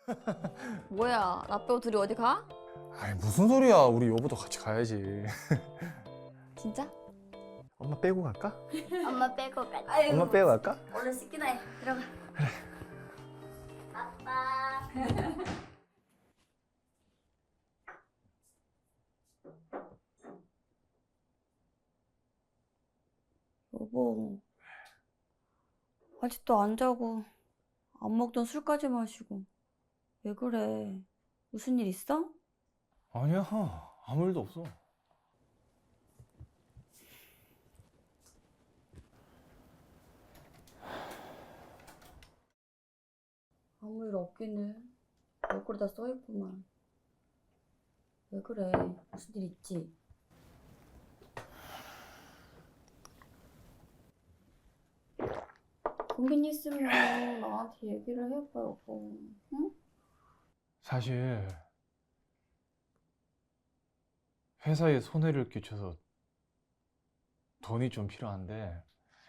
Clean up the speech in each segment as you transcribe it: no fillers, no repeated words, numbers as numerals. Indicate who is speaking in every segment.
Speaker 1: 뭐야, 나 빼고 둘이 어디 가?
Speaker 2: 아이 무슨 소리야. 우리 여보도 같이 가야지.
Speaker 1: 진짜?
Speaker 2: 엄마 빼고 갈까?
Speaker 1: 엄마 빼고 가.
Speaker 2: 엄마 빼고 갈까?
Speaker 1: 얼른 씻기나 해. 들어가. 그래. 아빠. 여보, 아직도 안 자고 안 먹던 술까지 마시고 왜 그래? 무슨 일 있어?
Speaker 2: 아니야. 아무 일도 없어.
Speaker 1: 아무 일 없기는 얼굴에 다 써있구만. 왜 그래? 무슨 일 있지? 고민 있으면 나한테 얘기를 해봐, 여보. 응?
Speaker 2: 사실 회사에 손해를 끼쳐서 돈이 좀 필요한데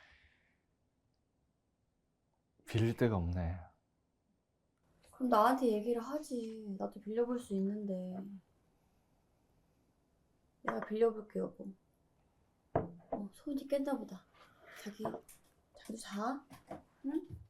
Speaker 2: 빌릴 데가 없네.
Speaker 1: 그럼 나한테 얘기를 하지. 나도 빌려볼 수 있는데. 내가 빌려볼게, 여보. 소은이 깼나 보다. 자기도 자. 응?